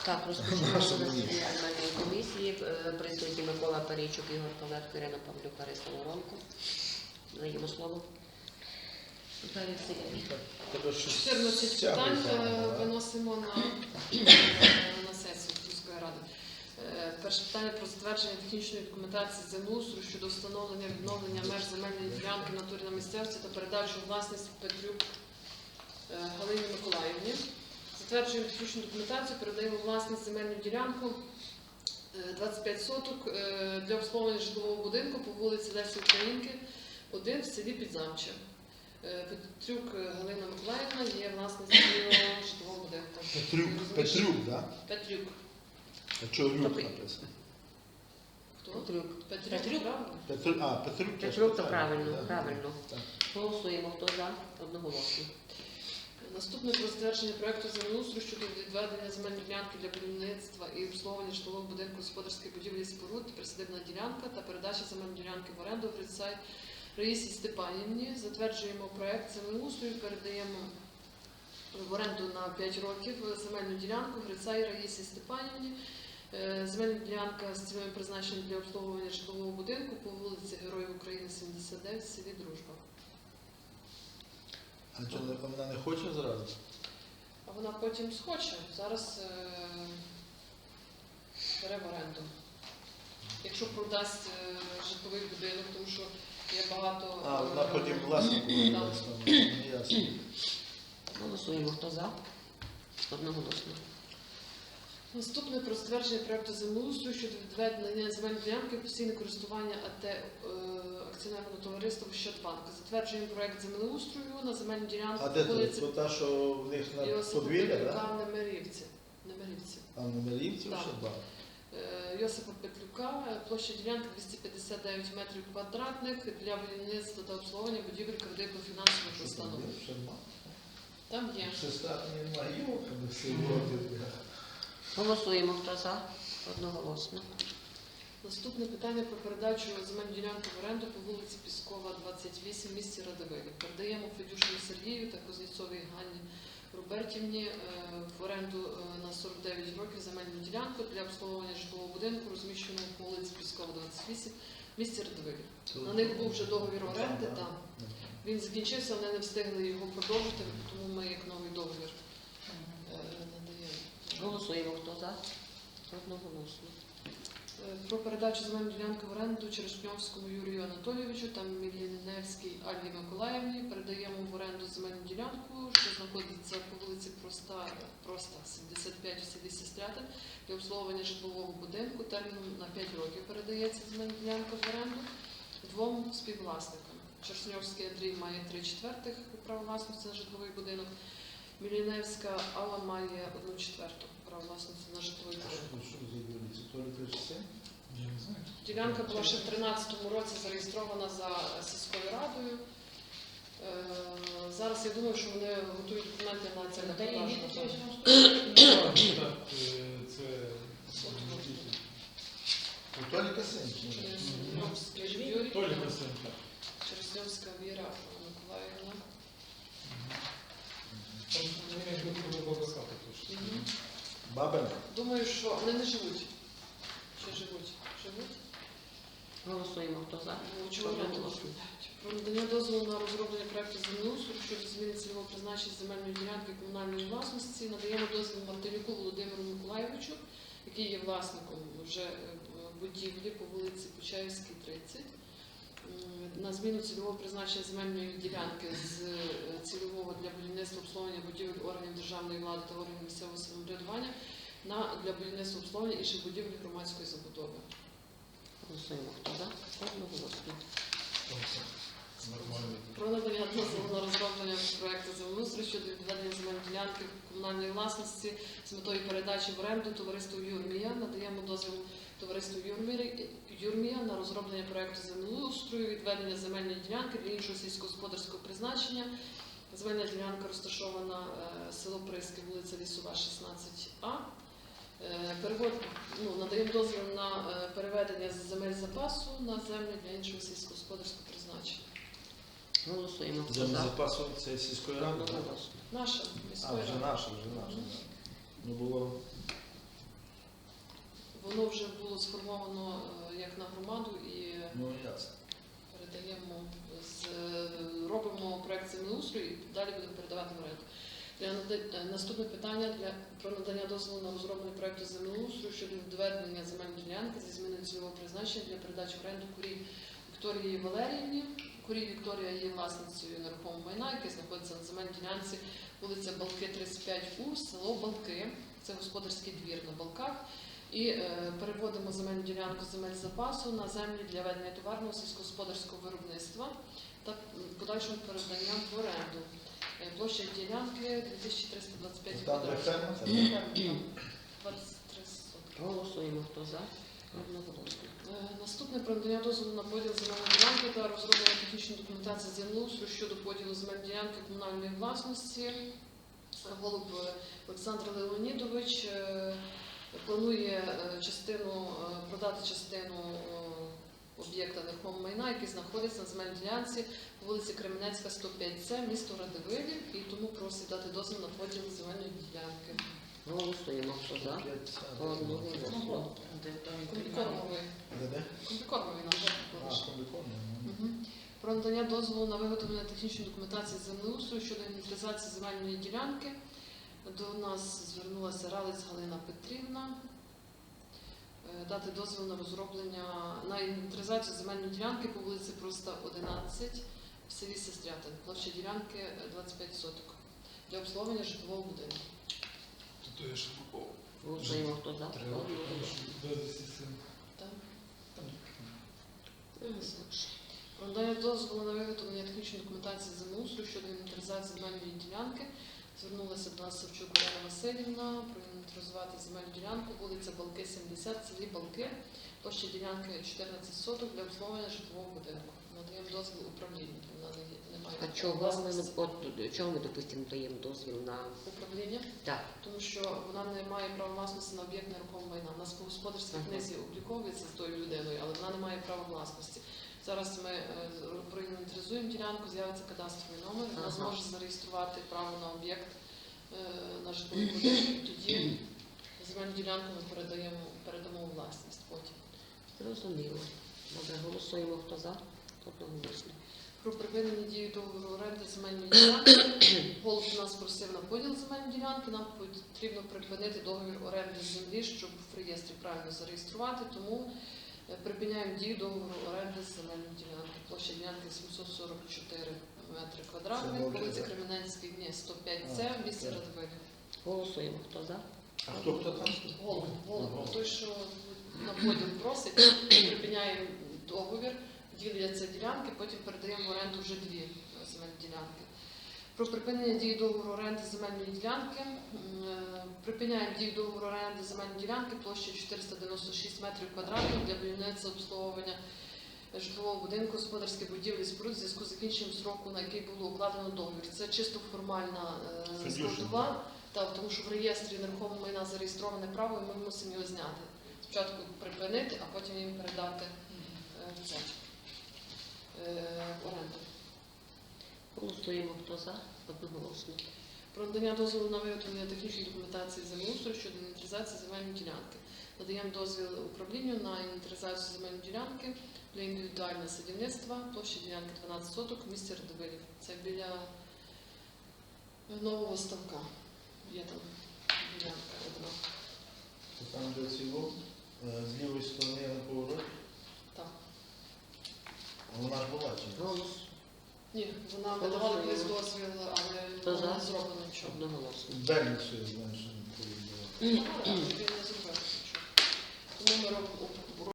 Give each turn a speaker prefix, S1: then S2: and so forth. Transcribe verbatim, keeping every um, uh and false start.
S1: Так, розпочнемо засідання земельної комісії. Присутні Микола Парійчук, Ігор Павлетко, Ірина Павлюк, Лариса Воронко. Даємо слово.
S2: чотирнадцять питань виносимо на, на сесію міської ради. Перше питання про затвердження технічної документації землеустрою щодо встановлення відновлення меж земельної ділянки в натурі на місцевості та передачу у власність Петрюк Галині Миколаївні. Затверджуємо технічну документацію, передаємо у власність земельну ділянку двадцять п'ять соток для обслуговування житлового будинку по вулиці Лесі Українки, один в селі Підзамче. Петрюк Галина Миколаївна є власницею житлового будинку.
S3: Петрюк, Петрюк, так?
S2: Петрюк.
S3: А чого Люк написано?
S2: Хто?
S1: Петрюк.
S2: Петрюк,
S1: Петрюк?
S2: правильно?
S3: Петрюк, а, Петрюк.
S1: Петрюк, то правильно,
S3: так.
S1: правильно.
S3: Так.
S1: Голосуємо. Хто за? Одноголосно.
S2: Наступне про затвердження проекту землеустрою щодо відведення земельної ділянки для будівництва і обслуговування житлового будинку господарської будівлі споруд, присадибна ділянка та передача земельної ділянки в оренду Грицай Раїсі Степанівні. Затверджуємо проект землеустрою, передаємо в оренду на п'ять років земельну ділянку Грицай Раїсі Степанівні. Земельна ділянка з цільовим призначенням для обслуговування житлового будинку по вулиці Героїв України, сімдесят дев'ять, в селі Дружба.
S3: А чого вона не хоче зразу?
S2: А вона потім схоче. Зараз е бере в оренду. Якщо продасть е житловий будинок, тому що є багато...
S3: А, вона потім власнику
S2: Так.
S3: не ясно.
S1: Голосуємо. Хто за? Одноголосно.
S2: Наступне про затвердження проекту землеустрою щодо відведення земельної ділянки в постійне користування АТ е акціонерного товариства Ощадбанк. Затверджуємо проект землеустрою на земельну ділянку
S3: А де
S2: вулиці
S3: тут? Та, що в них на
S2: Йосипа
S3: подвір'я,
S2: Петлюка
S3: так?
S2: в Немирівці. Немирівці.
S3: А в Немирівці
S2: Так.
S3: ще два?
S2: Е, Йосипа Петлюка, площа ділянки двісті п'ятдесят дев'ять метрів квадратних для будівництва та обслуговування будівель кредитно-фінансових установ. Там є.
S3: Сестра немає йоками сьогодні.
S1: Голосуємо. Хто за? Одноголосно.
S2: Наступне питання про передачу земельної ділянки в оренду по вулиці Піскова, двадцять вісім, в місті Радивилі. Передаємо Федюшину Сергію та Кузнєцовій Ганні Робертівні е, в оренду е, на сорок дев'ять років земельну ділянку для обслуговування житлового будинку, розміщеного по вулиці Піскова, двадцять вісім, в місті Радивилі. На них був вже договір оренди, там. Він закінчився, вони не встигли його продовжити, тому ми як новий договір е, надаємо.
S1: Голосуємо. Хто за? Одноголосно.
S2: Про передачу земельної ділянки в оренду Черешньовському Юрію Анатолійовичу та Міліневській Альві Миколаївні. Передаємо в оренду земельну ділянку, що знаходиться по вулиці Проста, Проста сімдесят п'ять в селі Сестрятин, для обслуговування житлового будинку. Терміном на п'ять років передається земельна ділянка в оренду двом співвласникам. Черешньовський Андрій має три четвертих права власності на житловий будинок. Міліневська Алла має одну четверту права власності на житловий будинок. Ділянка була ще в тринадцятому році зареєстрована за сільською радою. Е, зараз я думаю, що вони готують документи на це на продажу.
S3: У Толіка син.
S2: Черешньовський Юрій, Черешньовська Віра Миколаївна. Мгм.
S3: Бабина.
S2: Думаю, що вони не живуть. Чи живуть? Живуть?
S1: Голосуємо. Хто за?
S2: Ну, чого не
S1: Одноголосно.
S2: Про надання дозволу на розроблення проекту землеустрою щодо зміни цільового призначення земельної ділянки комунальної власності. Надаємо дозвіл Мартинюку Володимиру Миколаєвичу, який є власником вже е, будівлі по вулиці Почаївській, тридцять, м, на зміну цільового призначення земельної ділянки з е, цільового для будівництва обслуговування будівель органів державної влади та органів місцевого самоврядування на для будівництва обслуговування інших будівель громадської забудови.
S1: Голосуємо. Хто за? Одноголосно.
S2: Про надання дозволу на розроблення проекту землеустрою щодо відведення земельної ділянки комунальної власності з метою передачі в оренду товариству Юрмія. Надаємо дозвіл товариству Юрмія на розроблення проекту землеустрою, відведення земельної ділянки для іншого сільськогосподарського призначення. Земельна ділянка розташована е, село Приски, вулиця Лісова, шістнадцять А. Е, перевод, ну, надаємо дозвіл на е, переведення з земель запасу на землі для іншого сільськогосподарського призначення.
S1: Голосуємо. Хто
S3: Землі
S1: за?
S3: запасу це сільської ради? так?
S1: Одноголосно.
S2: Наша
S3: А,
S2: міської
S3: вже
S2: ради.
S3: наша, вже наша.
S2: Мгм.
S3: Ну було
S2: було сформовано е, як на громаду і
S3: Ну, ясно.
S2: передаємо, з, робимо проект землеустрою і далі будемо передавати в оренду. Для нада- Наступне питання для про надання дозволу на розроблення проекту землеустрою щодо відведення земельної ділянки зі зміною цільового призначення для передачі в оренду Курій Вікторії Валеріївні. Курій Вікторія є власницею нерухомого майна, яке знаходиться на земельній ділянці вулиця Балки, тридцять п'ять У, село Балки. Це господарський двір на Балках. І е, переводимо земельну ділянку земель запасу на землі для ведення товарного сільськогосподарського виробництва та подальшому переданням в оренду. Е, Площа ділянки дві тисячі триста двадцять п'ять
S3: Там, де
S2: квадратів.
S3: ферма, це
S2: двадцять три сотки.
S1: Голосуємо. Хто за? Одноголосно.
S2: Е, Наступне про надання дозволу на поділ земельної ділянки та розроблення технічної документації землеустрою щодо поділу земельної ділянки комунальної власності. Голуб е, Олександр Леонідович е, планує е, частину е, продати частину е, об'єкта нерухомого майна, який знаходиться на земельній ділянці по вулиці Кременецька, сто п'ять С, місто Радивилів, і тому просить дати дозвіл на поділ земельної ділянки.
S1: Голосуємо. Хто за? Одноголосно.
S2: Комбікормовий.
S3: Де де?
S2: Комбікормовий нам
S3: А,
S2: вже
S3: комбікорне.
S2: Мгм. Про надання дозволу на виготовлення технічної документації землеустрою щодо інвентаризації земельної ділянки. До нас звернулася Ралець Галина Петрівна. Е, Дати дозвіл на розроблення на інвентаризацію земельної ділянки по вулиці Проста, одинадцять в селі Сестрятин. Площа ділянки е, двадцять п'ять соток для обслуговування житлового будинку.
S4: То я ще попав.
S1: Голосуємо. Хто за?
S4: Треба
S1: Одноголосно.
S4: вивезти син.
S2: Так?
S1: Голосуємо.
S2: Про надання дозволу на виготовлення технічної документації землеустрою щодо інвентаризації земельної ділянки. Звернулася до нас Савчук Олена Васильівна проінвентаризувати земельну ділянку, вулиця Балки, сімдесят, в селі Балки, площа ділянки чотирнадцять соток для обслуговування житлового будинку. Надаємо дозвіл управлінню, вона не, не має
S1: А чого ми,
S2: власності.
S1: от, чого ми, допустимо, даємо дозвіл на...
S2: Управління,
S1: Так.
S2: тому що вона не має права власності на об'єкт нерухомого майна. У нас по господарській
S1: Ага.
S2: книзі обліковується з тою людиною, але вона не має права власності. Зараз ми е, проінвентаризуємо ділянку, з'явиться кадастровий номер, вона
S1: Ага.
S2: зможе зареєструвати право на об'єкт е, на житловий будинок. І тоді земельну ділянку ми передаємо, передамо у власність потім.
S1: Зрозуміло. Добре, голосуємо. Хто за? Одноголосно.
S2: Про припинення дії договору оренди земельної ділянки. Голуб нас просив на поділ земельної ділянки. Нам потрібно припинити договір оренди землі, щоб в реєстрі правильно зареєструвати. Тому е, припиняємо дію договору оренди земельної ділянки. Площа ділянки сімсот сорок чотири метри
S3: Це
S2: квадратних.
S3: добре,
S2: Вулиця
S3: так?
S2: Кременецький, ні, сто п'ять С,
S3: А,
S2: в місті
S3: так.
S2: Радивилів.
S1: Голосуємо. Хто за?
S3: А хто хто там?
S2: Голуб, голуб,
S3: Голуб.
S2: той, що на поділ просить, припиняємо договір, діляться ділянки, потім передаємо в оренду вже дві земельні ділянки. Про припинення дії договору оренди земельної ділянки. М, е, Припиняємо дію договору оренди земельної ділянки площею чотириста дев'яносто шість метрів квадратних для будівництва обслуговування житлового будинку, господарських будівлі, споруд в зв'язку з закінченням строку, на який було укладено договір. Це чисто формальна е,
S3: Федюшин,
S2: складова, так, тому що в реєстрі нерухомого майна зареєстроване право, і ми мусимо його зняти. Спочатку припинити, а потім їм передати е, в це, е, в оренду.
S1: Голосуємо. Хто за? Одноголосно.
S2: Про надання дозволу на виготовлення технічної документації землеустрою щодо інвентаризації земельної ділянки. Надаємо дозвіл управлінню на інвентаризацію земельної ділянки для індивідуального садівництва. Площа ділянки дванадцять соток в місті Радивилів. Це біля нового ставка. Є там ділянка одна.
S3: Це там, де ціло, е, з лівої сторони на повороті.
S2: Так.
S3: А вона ж була чи ні?
S1: Голос.
S2: Ні, вона видавала колись дозвіл, але
S1: Хто за?
S2: не зроблено нічого.
S1: Одноголосно.
S3: Бельницю, я знаю, що не повідомляла.
S2: Він не зробив нічого. Тому ми робимо